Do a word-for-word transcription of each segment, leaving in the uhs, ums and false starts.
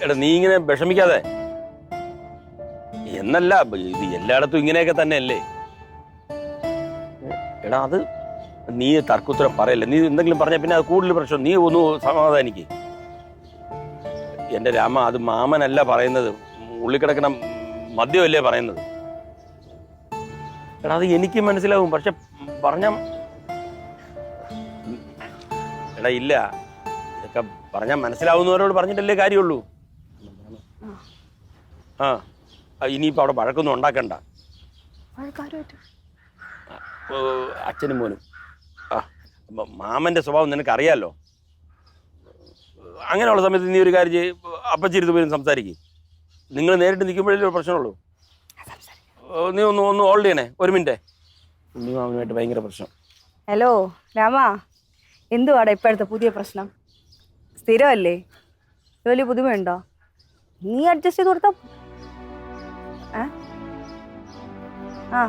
എടാ നീ ഇങ്ങനെ വിഷമിക്കാതെ. എന്നല്ല ഇത് എല്ലായിടത്തും ഇങ്ങനെയൊക്കെ തന്നെ അല്ലേ. എടാ അത് നീ തർക്കുത്തരം പറയല്ലേ. നീ എന്തെങ്കിലും പറഞ്ഞ പിന്നെ അത് കൂടുതൽ പ്രശ്നം. നീ ഒന്ന് സമാധാനിക്ക്. എന്റെ രാമ, അത് മാമനല്ല പറയുന്നത്, ഉള്ളിക്കിടക്കണ മദ്യമല്ലേ പറയുന്നത്. എടാ അത് എനിക്ക് മനസ്സിലാവും, പക്ഷെ പറഞ്ഞ എടാ ഇല്ല, ഇതൊക്കെ പറഞ്ഞാൽ മനസ്സിലാവുന്നവരോട് പറഞ്ഞിട്ടല്ലേ കാര്യമുള്ളൂ. ആ ഇനിയിപ്പോ അവിടെ വഴക്കൊന്നും ഉണ്ടാക്കണ്ട. അച്ഛനും മോനും ആ മാമന്റെ സ്വഭാവം നിനക്ക് അറിയാലോ. അങ്ങനെയുള്ള സമയത്ത് നീ ഒരു കാര്യം ചെയ്യ്, അപ്പച്ചിരുത്ത് പോയി സംസാരിക്കും. നിങ്ങൾ നേരിട്ട് നിൽക്കുമ്പോഴേ ഒരു പ്രശ്നമുള്ളൂ. നീ ഒന്ന് ഒന്ന് ഹോൾഡ് ചെയ്യണേ ഒരു മിനിറ്റ്. ഉണ്ണി മാമനുമായിട്ട് ഭയങ്കര പ്രശ്നം. ഹലോ രാമ, എന്തുവാടാ ഇപ്പോഴത്തെ പുതിയ പ്രശ്നം? സ്ഥിരമല്ലേ? വലിയ പുതുമയുണ്ടോ? നീ അഡ്ജസ്റ്റ് ചെയ്ത് കൊടുത്ത ആ ആ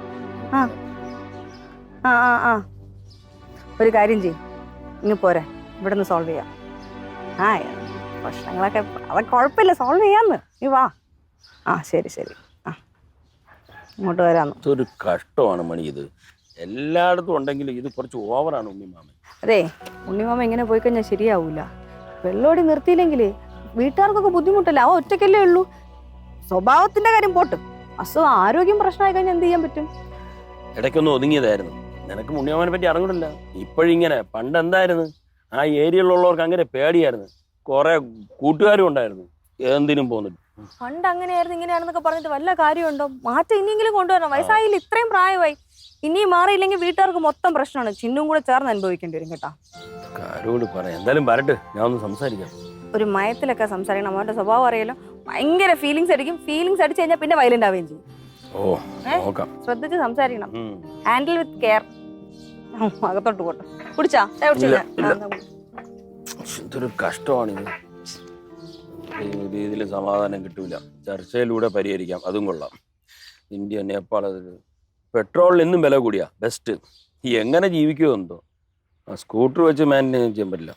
ആ ആ ആ ഒരു കാര്യം ചെയ്യും, ഇങ്ങ് പോരെ, ഇവിടെ നിന്ന് സോൾവ് ചെയ്യാം. ആ പ്രശ്നങ്ങളൊക്കെ അതൊക്കെ കുഴപ്പമില്ല, സോൾവ് ചെയ്യാന്ന്. നീ വാ. ആ ശരി ശരി, ആ ഇങ്ങോട്ട് വരാന്ന്. ഇതൊരു കഷ്ടമാണ് മണി, ഇത് എല്ലായിടത്തും ഉണ്ടെങ്കിലും ഇത് കുറച്ച് ഓവറാണ് ഉണ്ണിമാമൻ. അതെ, ഉണ്ണിമാമ ഇങ്ങനെ പോയി കഴിഞ്ഞാൽ ശരിയാവൂല. വെള്ളോടി നിർത്തിയില്ലെങ്കിലേ വീട്ടുകാർക്കൊക്കെ ബുദ്ധിമുട്ടല്ല. അവ ഒറ്റയ്ക്കല്ലേ ഉള്ളൂ. സ്വഭാവത്തിന്റെ കാര്യം പോട്ട്, അസുഖം ആരോഗ്യം പ്രശ്നമായി കഴിഞ്ഞാൽ എന്ത് ചെയ്യാൻ പറ്റും? ഇടയ്ക്കൊന്ന് ഒതുങ്ങിയതായിരുന്നു. നിനക്ക് ഉണ്ണിമാമനെ പറ്റി അറിഞ്ഞിട്ടില്ല. ഇപ്പോഴിങ്ങനെ, പണ്ട് എന്തായിരുന്നു, ആ ഏരിയയിലുള്ളവർക്ക് അങ്ങനെ പേടിയായിരുന്നു. കുറെ കൂട്ടുകാരും ഉണ്ടായിരുന്നു, എന്തിനും പോന്നിട്ട്. പണ്ട് അങ്ങനെയായിരുന്നു ഇങ്ങനെയാണെന്നൊക്കെ പറഞ്ഞിട്ട് വല്ല കാര്യമുണ്ടോ? മാറ്റം ഇനിയെങ്കിലും കൊണ്ടുവരണം. വയസ്സായില്ല, ഇത്രയും പ്രായമായി. ഇനിയും മാറിയില്ലെങ്കിൽ വീട്ടുകാർക്ക് മൊത്തം പ്രശ്നമാണ്. ചിന്നും കൂടെ ചേർന്ന് അനുഭവിക്കേണ്ടി വരും കേട്ടാ. കാരോട് പറയാം, എന്തായാലും വരട്ടെ, ഞാൻ ഒന്ന് സംസാരിക്കാം. ഒരു മയത്തിലൊക്കെ സംസാരിക്കണം. അവന്റെ സ്വഭാവം അറിയാലോ, ഭയങ്കര ഫീലിങ്സ് അടിക്കും. ഫീലിങ്സ് അടിച്ചു കഴിഞ്ഞാൽ പിന്നെ വയലന്റ് ആവുകയും ചെയ്യും. ഓ നോക്കാം, ശ്രദ്ധിച്ച് സംസാരിക്കണം. Handle with care. അകത്തോട്ട് പോട്ടെ. കുടിച്ചാ ഇതൊരു കഷ്ടമാണിത്. ഈ രീതിയിൽ സമാധാനം കിട്ടൂല. ചർച്ചയിലൂടെ പരിഹരിക്കാം, അതും കൊള്ളാം. ഇന്ത്യ നേപ്പാൾ പെട്രോളിന് ഇന്നും വില കൂടിയാ. ബെസ്റ്റ് ഈ എങ്ങനെ ജീവിക്കുമോ എന്തോ. സ്കൂട്ടർ വെച്ച് മാനേജ് ചെയ്യാൻ പറ്റില്ല.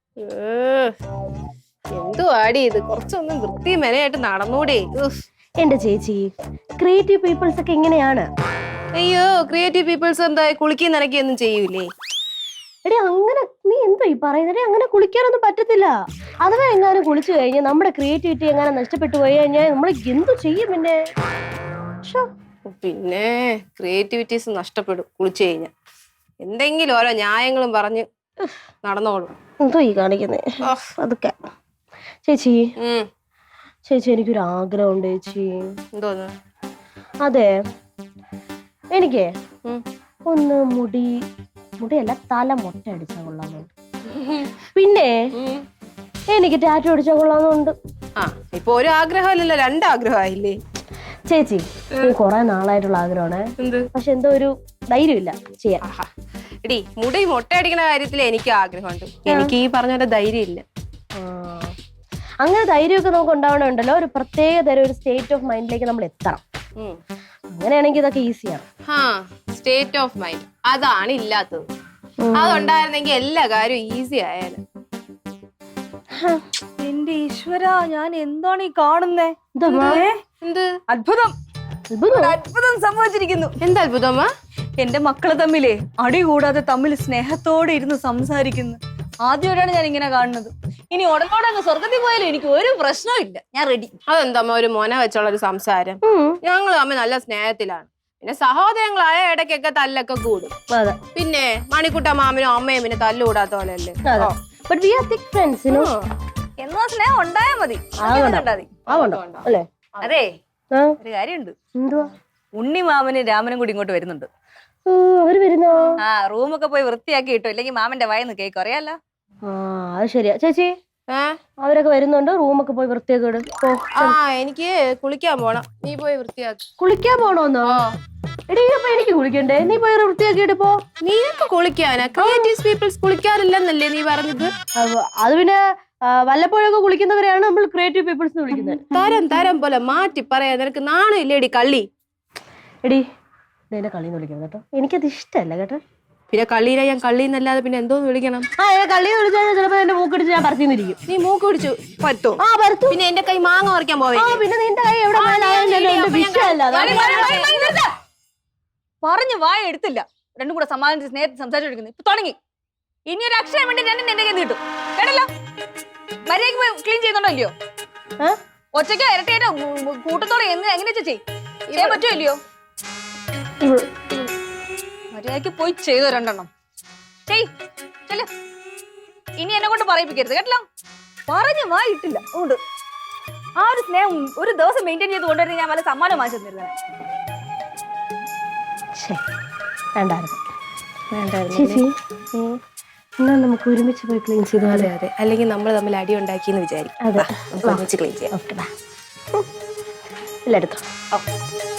എന്തോ ആടി ഇത്, കുറച്ചൊന്നും വൃത്തി മെനയായിട്ട് നടന്നൂടെ. എന്റെ ചേച്ചി, ക്രിയേറ്റീവ് പീപ്പിൾസ് ഒക്കെ ഇങ്ങനെയാണ്. അയ്യോ, ക്രിയേറ്റീവ് പീപ്പിൾസ് എന്താ കുളിക്കി നനക്കൊന്നും ചെയ്യൂലേ? എടി അങ്ങനെ നീ എന്തോ ഈ പറയുന്നത്? അങ്ങനെ കുളിക്കാനൊന്നും പറ്റത്തില്ല. അഥവാ എങ്ങാനും കുളിച്ചു കഴിഞ്ഞാൽ നമ്മുടെ ക്രിയേറ്റിവിറ്റി എങ്ങനെ നഷ്ടപ്പെട്ടു പോയി കഴിഞ്ഞാൽ നമ്മൾ എന്തു ചെയ്യും? പിന്നെ പിന്നെ ക്രിയേറ്റിവിറ്റീസ് നഷ്ടപ്പെടും കുളിച്ചു കഴിഞ്ഞാൽ. എന്തെങ്കിലും ഓരോ ന്യായങ്ങളും പറഞ്ഞ് നടന്നോളും. എന്തോ ഈ കാണിക്കുന്നേ അതൊക്കെ. ചേച്ചി ചേച്ചി എനിക്കൊരു ആഗ്രഹമുണ്ട് ചേച്ചി. എന്തോന്ന്? അതെ, എനിക്ക് ഒന്ന് മുടി മുടിയല്ല തല മൊട്ട അടിച്ചാൽ കൊള്ളാന്നുണ്ട്. പിന്നെ എനിക്ക് ടാറ്റു അടിച്ചാൽ കൊള്ളാന്നുണ്ട്. ആ ഇപ്പൊ ഒരു ആഗ്രഹമല്ലല്ലോ, രണ്ടാഗ്രഹമായില്ലേ ചേച്ചി? കൊറേ നാളായിട്ടുള്ള ആഗ്രഹമാണ്, പക്ഷെ എന്തോ ഒരു ധൈര്യമില്ല ചെയ്യാൻ. എടി, മുടി മൊട്ടയടിക്കുന്ന കാര്യത്തിൽ എനിക്ക് ആഗ്രഹമുണ്ട്. എനിക്ക് ഈ പറഞ്ഞ പോലെ ധൈര്യം ഇല്ല. അങ്ങനെ ധൈര്യമൊക്കെ നമുക്ക് ഉണ്ടാവണമുണ്ടല്ലോ, ഒരു പ്രത്യേക തരം ഒരു സ്റ്റേറ്റ് ഓഫ് മൈൻഡിലേക്ക് നമ്മൾ എത്തണം. അങ്ങനെയാണെങ്കിൽ ഇതൊക്കെ ഈസിയാണ്. ആ സ്റ്റേറ്റ് ഓഫ് മൈൻഡ് അതാണ് ഇല്ലാത്തത്. അതുണ്ടായിരുന്നെങ്കിൽ എല്ലാ കാര്യവും ഈസി ആയാലും. എന്റെ ഈശ്വര, ഞാൻ എന്താണ് ഈ കാണുന്നേ? എന്ത് അത്ഭുതം, അത്ഭുതം സംഭവിച്ചിരിക്കുന്നു. എന്താ അത്ഭുതമാ? എന്റെ മക്കള് തമ്മിലേ അടി കൂടാതെ തമ്മിൽ സ്നേഹത്തോടെ ഇരുന്ന് സംസാരിക്കുന്നു. ആദ്യമായിട്ടാണ് ഞാൻ ഇങ്ങനെ കാണുന്നത്. ഇനി ഉടനോടെ അങ്ങ് സ്വർഗത്തിൽ പോയാലും എനിക്ക് ഒരു പ്രശ്നവും ഇല്ല, ഞാൻ റെഡി. അതെന്തമ്മ ഒരു മോനെ വെച്ചുള്ള ഒരു സംസാരം? ഞങ്ങൾ തമ്മിൽ നല്ല സ്നേഹത്തിലാണ്. പിന്നെ സഹോദരങ്ങളായ ഇടയ്ക്കൊക്കെ തല്ലൊക്കെ കൂടും. പിന്നെ മണിക്കുട്ട മാമനും അമ്മയും പിന്നെ തല്ലുകൂടാത്ത പോലെയല്ലേ. എന്നാ സ്നേഹം ഉണ്ടായാ മതി. അതെ, ഒരു കാര്യമുണ്ട്. ഉണ്ണി മാമനും രാമനും കൂടി ഇങ്ങോട്ട് വരുന്നുണ്ട്. അവര് വരുന്നോ? ആ റൂമൊക്കെ പോയി വൃത്തിയാക്കി കിട്ടും, ഇല്ലെങ്കിൽ മാമന്റെ വായന്ന് കേക്ക് അറിയാലോ. ആ അത് ശരിയാ ചേച്ചി. അവരൊക്കെ വരുന്നുണ്ട്, റൂമൊക്കെ പോയി വൃത്തിയാക്കി ഇടും. ആ എനിക്ക് കുളിക്കാൻ പോണം, നീ പോയി വൃത്തിയാക്കി. കുളിക്കാൻ പോണോന്നോ? എടീ അപ്പൊ എനിക്ക് കുളിക്കണ്ടേ? നീ പോയി വൃത്തിയാക്കിയിട്ട് പോ. നീയൊക്കെ കുളിക്കാനാ? ക്രിയേറ്റീവ് പീപ്പിൾസ് കുളിക്കാറില്ലെന്നല്ലേ നീ പറഞ്ഞത്? അത് പിന്നെ വല്ലപ്പോഴൊക്കെ കുളിക്കുന്നവരെയാണ് നമ്മൾ ക്രിയേറ്റീവ് പീപ്പിൾസ് വിളിക്കുന്നത്. തരം തരം പോലെ മാറ്റി പറയാ. നിനക്ക് നാണില്ലേടി കള്ളി? എടി എന്നെ കളി വിളിക്കുന്നത് കേട്ടോ, എനിക്കത് ഇഷ്ടമല്ല കേട്ടോ. പിന്നെ കള്ളീനെ ഞാൻ കള്ളീന്നല്ലാതെ പിന്നെ എന്തോന്ന് വിളിക്കണം? ആ കള്ളി വിളിച്ചാൽ ചിലപ്പോ എന്റെ മൂക്കടിച്ച് ഞാൻ പറിച്ചിരിക്കും. നീ മൂക്ക് പിടിച്ചു പറ്റോ? ആ പരത്തു. പിന്നെ എന്റെ കൈ മാങ്ങ പറിക്കാൻ പോവേ. ആ പിന്നെ നിന്റെ കൈ എവിടെ വിഷയമല്ല. പറഞ്ഞു വായ എടുത്തില്ല. രണ്ടും കൂടെ സമാധാനിച്ച് സ്നേഹത്തിൽ സംസാരിച്ചെടുക്കുന്നു. ഇപ്പൊ തുടങ്ങി. ഇനി ഒരു അക്ഷരം വേണ്ടി ഞാൻ എന്റെ കയ്യിൽ കിട്ടും. കേട്ടല്ലോ? മര്യാദക്ക് ക്ലീൻ ചെയ്യുന്നുണ്ടോ ഇല്ലയോ? ഒറ്റയ്ക്കോ ഇരട്ടേറ്റോ കൂട്ടത്തോടെ എന്ന് എങ്ങനെ ചെയ് ചെയ്യാൻ പറ്റുമോ ഇല്ലയോ? മര്യാദക്ക് പോയി ചെയ്തോ രണ്ടെണ്ണം. ചെയ് ചെല്ല്. ഇനി എന്നെ കൊണ്ട് പറയിപ്പിക്കരുത് കേട്ടല്ലോ. പറഞ്ഞു വായ ഇട്ടില്ല. അതുകൊണ്ട് ആ ഒരു സ്നേഹം ഒരു ദിവസം മെയിൻറ്റെയിൻ ചെയ്ത് കൊണ്ടുവരുന്ന ഞാൻ വല്ല സമ്മാനം വാങ്ങിച്ചു തന്നിരുന്നത്. ചേച്ചി എന്നാ നമുക്ക് ഒരുമിച്ച് പോയി ക്ലീൻ ചെയ്തു. അതെ അതെ, അല്ലെങ്കിൽ നമ്മൾ തമ്മിൽ അടി ഉണ്ടാക്കിയെന്ന് വിചാരിക്കും. അതെ ഒരുമിച്ച് ക്ലീൻ ചെയ്യാം. ഓക്കെ, എല്ലായിടത്തും.